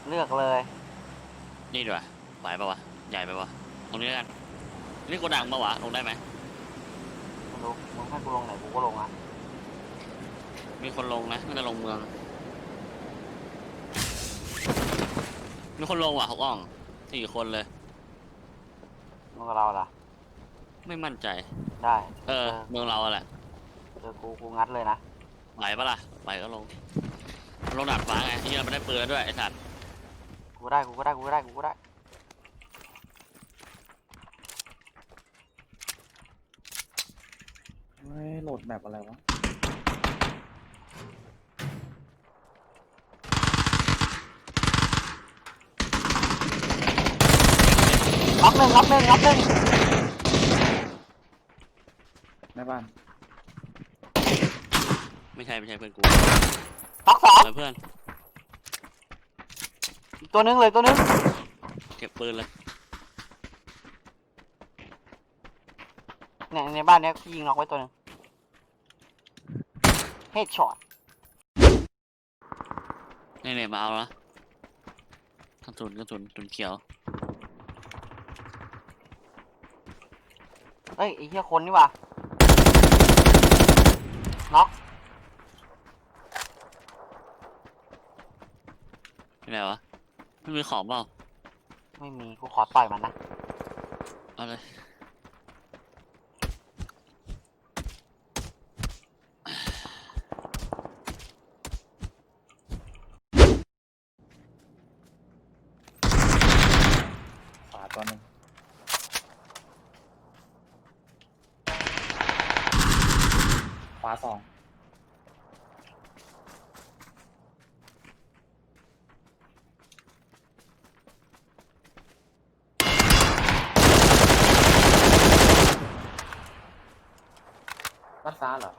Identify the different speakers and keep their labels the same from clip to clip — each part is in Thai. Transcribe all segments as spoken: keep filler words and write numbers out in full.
Speaker 1: เลือกเลย
Speaker 2: นี่ดีกว่าไหวปะวะใหญ่ไปวะตรงนี้กันนี่โกดังปะวะลงได้ไหม
Speaker 1: ไม่รู้มึงให้กูลงไหนกูก็ลงอ่ะ
Speaker 2: มีคนลงนะน่าจะลงเมืองมีคนลงว่ะเขาอ่องสี่คนเลย
Speaker 1: มึงกับเราล่ะ
Speaker 2: ไม่มั่นใจ
Speaker 1: ได้
Speaker 2: เออเมืองเราแหละ
Speaker 1: เจอกูกูงัดเลยนะ
Speaker 2: ไหวปะล่ะไหวก็ลงลงดาดฟ้าไงที่เราไม่ได้ปืนด้วยไอ้สัตว์
Speaker 1: กูได้กูก็ได้กูก็ได้กูก็ได้
Speaker 3: ไม่โหลดแบบอะไรวะ
Speaker 1: รับหนึ่งรับหนึ่งรับหนึ่ง
Speaker 3: ในบ้าน
Speaker 2: ไม่ใช่ไม่ใช่เพื่อนกู
Speaker 1: รับสอง
Speaker 2: เพื่อน
Speaker 1: อีกตัวนึงเลยตัวนึง
Speaker 2: เก็บปืนเลย
Speaker 1: เนี่ยในบ้านเนี้ยพี่ยิงน็อกไว้ตัวนึงเฮดช็อต
Speaker 2: นี่เนี่ยมาเอาละกระสุนกระสุนกระสุนเขียว
Speaker 1: เฮ้ยไอ้เหี้ยคนนี่ว่ะน็อก
Speaker 2: ที่ไหนวะไม่มีของเปล่า
Speaker 1: ไม่มีกูขอต่อยมันนะ
Speaker 2: เอาเลย
Speaker 3: ขวาตัวหนึ่งขวาสองรัดฟ้าเหรอ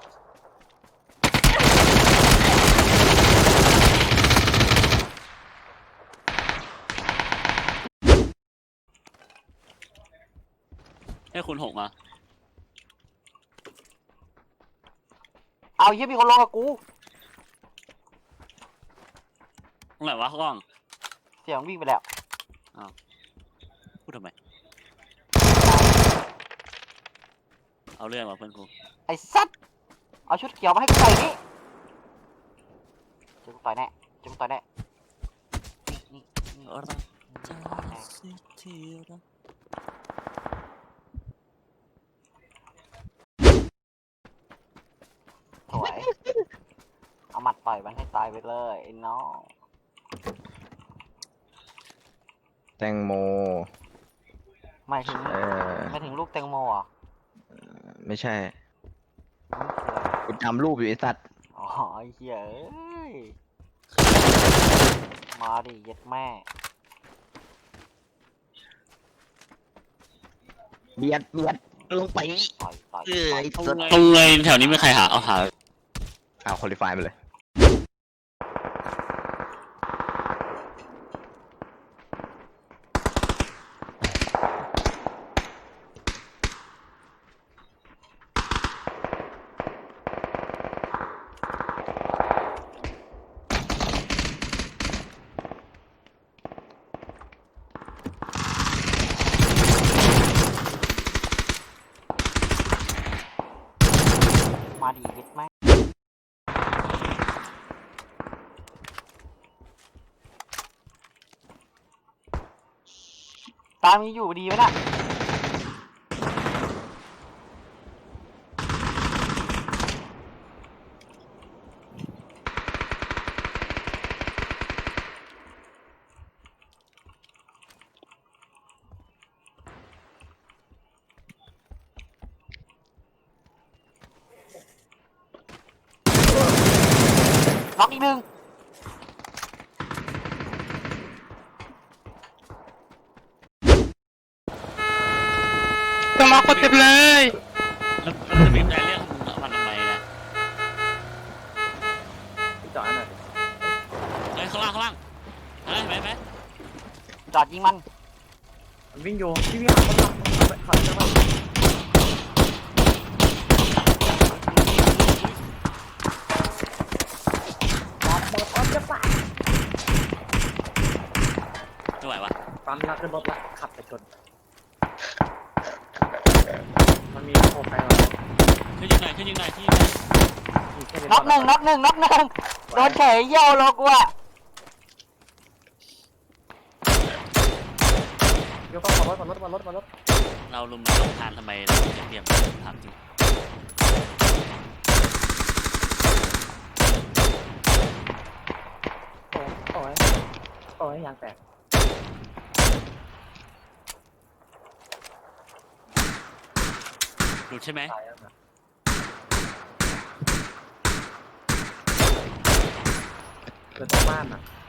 Speaker 2: ให้คุณหกมา
Speaker 1: เอาเหี้ยมีคนลงกับกู
Speaker 2: ตรงไหนวะกล้อง
Speaker 1: เสียงวิ่งไปแล้ว
Speaker 2: อ้าวพูดทำไมเอาเรื่องมาเพื่อนกู
Speaker 1: ไอ้สัตว์เอาชุดเขียวมาให้กูใส่นี่เจอกูต่อยแน่เจอกูต่อยแน่นี่นี่นี่
Speaker 2: รักจะสิที่รัก
Speaker 1: สวยเอาหมัดต่อยมันให้ตายไปเลยไอ้น้อง
Speaker 4: แตงโม
Speaker 1: ไม่ถึง
Speaker 4: เออ
Speaker 1: ไม่ถึงลูกแตงโมอ่ะ
Speaker 4: ไม่ใช่
Speaker 1: มันคืออะไร
Speaker 4: กูจำรูปอยู่ไอ้สัตว์
Speaker 1: อ๋อไอ้เหี้ยเอ้ยมาดิเย็ดแม่
Speaker 4: เบียดเบียดลงไป
Speaker 1: ต่อยต่อย
Speaker 4: เอ้ย
Speaker 2: ตรงเลยแถวนี้ไม่ใครหาเอาหา
Speaker 4: เอาคุริฟายมาเลย
Speaker 1: มาดิเย็ดแม่ตามมีอยู่ดีไหมน่ะน็อกอีกหนึ่ง
Speaker 5: ต้องล็อกคนเต็มเลย
Speaker 2: แล้วจะบีบใจเรื่องมันทำไมนะ
Speaker 3: พี่จอยหน่อยดิ
Speaker 2: เฮ้ยข้างล่างข้างล่างเห็นไหมเห็นไหม
Speaker 1: จอดยิงมัน
Speaker 3: มันวิ่งอยู่พี่วิ่งหาคนขับขับใช่ปะหมดออฟจะปะปั๊มแล้วขึ้นรถแล้วขับไปชนมันมีโคไปแล้ว
Speaker 2: ขึ้นยิงหน่อยขึ้นยิงหน่อยขึ้นยิงหน่อย
Speaker 3: มีแค่
Speaker 1: น็อกหนึ่งน็อกหนึ่งน็อกหนึ่งโดนเฉยเยี่ยวโลกูอะ
Speaker 3: ยกต้องขับรถขับรถขับรถขับรถ
Speaker 2: เราลุมมาลงทานทำไมเราจะเตรียมถามจริง
Speaker 3: โอ้ยโอ้ยยางแตก
Speaker 2: หลุดใช่ไหม
Speaker 3: ตายแล้วนะเกิดตรงบ้านอ่ะ